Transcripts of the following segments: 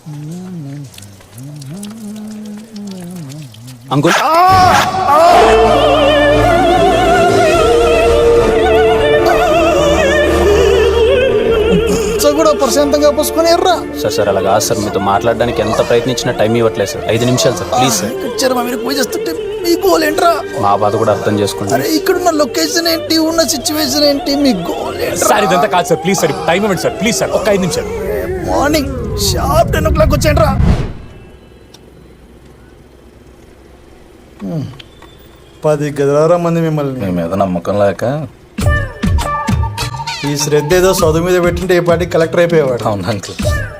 Uncle కూడా ప్రశాంతంగా పోసుకొని ఎర్రా సార్ సార్ అలాగా సార్ మీతో మాట్లాడడానికి ఎంత ప్రయత్నించినా టైం ఇవ్వట్లేదు సార్ 5 నిమిషాలు సార్ ప్లీజ్ సార్ వచ్చారు మా మీరు పూజ చేస్తుంటే మీ గోల్ ఏంట్రా మా బాధ కూడా అర్థం చేసుకోండి అరే ఇక్కడున్న లొకేషన్ ఏంటి ఉన్న సిచ్యువేషన్ ఏంటి మీ గోల్ ఏంట్రా సార్ ఇదంతా కాదు సార్ ప్లీజ్ సార్ టైం ఇవ్వండి సార్ ప్లీజ్ సార్ ఒక్క 5 నిమిషాలు మార్నింగ్ షార్ప్ 10 o'clock వచ్చేయండిరా 10 గదిలారా మంది మిమ్మల్ని మీ మీద నమ్మకం లేక ఈ శ్రద్ధ ఏదో చదువు మీద పెట్టింటే ఏ పార్టీ కలెక్టర్ అయిపోయేవాడు. అవును అంకుల్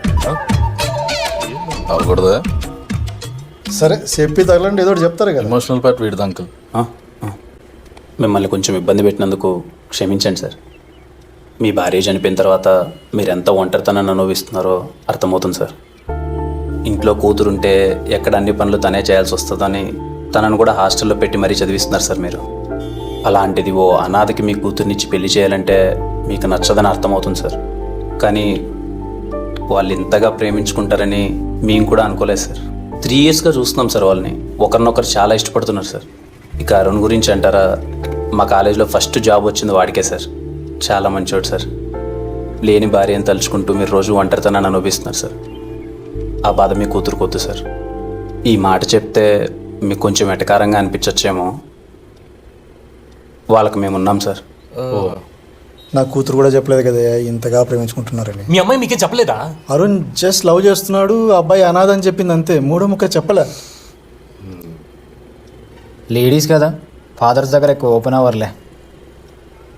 అవ్వకూడదా? సరే చెప్పి తగలండి ఏదో ఒకటి చెప్తారు కదా. ఎమోషనల్ పార్ట్ వీడిది అంకుల్. మిమ్మల్ని కొంచెం ఇబ్బంది పెట్టినందుకు క్షమించండి సార్. మీ భార్య చనిపోయిన తర్వాత మీరు ఎంత ఒంటరితనాన్ని అనుభవిస్తున్నారో అర్థమవుతుంది సార్. ఇంట్లో కూతురుంటే ఎక్కడ అన్ని పనులు తనే చేయాల్సి వస్తుందని తనను కూడా హాస్టల్లో పెట్టి మరీ చదివిస్తున్నారు సార్ మీరు. అలాంటిది ఓ అనాథకి మీ కూతుర్నిచ్చి పెళ్లి చేయాలంటే మీకు నచ్చదని అర్థమవుతుంది సార్. కానీ వాళ్ళు ఇంతగా ప్రేమించుకుంటారని మేము కూడా అనుకోలేదు సార్. 3 yearsగా చూస్తున్నాం సార్ వాళ్ళని. ఒకరినొకరు చాలా ఇష్టపడుతున్నారు సార్. ఇక అరుణ్ గురించి అంటారా, మా కాలేజీలో ఫస్ట్ జాబ్ వచ్చింది వాడికే సార్. చాలా మంచివాడు సార్. లేని భార్యను తలుచుకుంటూ మీరు రోజు ఒంటరితనాన్ని అనుభవిస్తున్నారు సార్. ఆ బాధ మీ కూతురుకొద్దు సార్. ఈ మాట చెప్తే మీకు కొంచెం ఎటకారంగా అనిపించచ్చేమో, వాళ్ళకి మేము ఉన్నాం సార్. నా కూతురు కూడా చెప్పలేదు కదా ఇంతగా ప్రేమించుకుంటున్నారని. మీ అమ్మాయి మీకేం చెప్పలేదా? అరుణ్ జస్ట్ లవ్ చేస్తున్నాడు, అబ్బాయి అనాథ అని చెప్పింది అంతే. మూడో ముక్క చెప్పలే. లేడీస్ కదా, ఫాదర్స్ దగ్గర ఎక్కువ ఓపెన్ అవర్లే.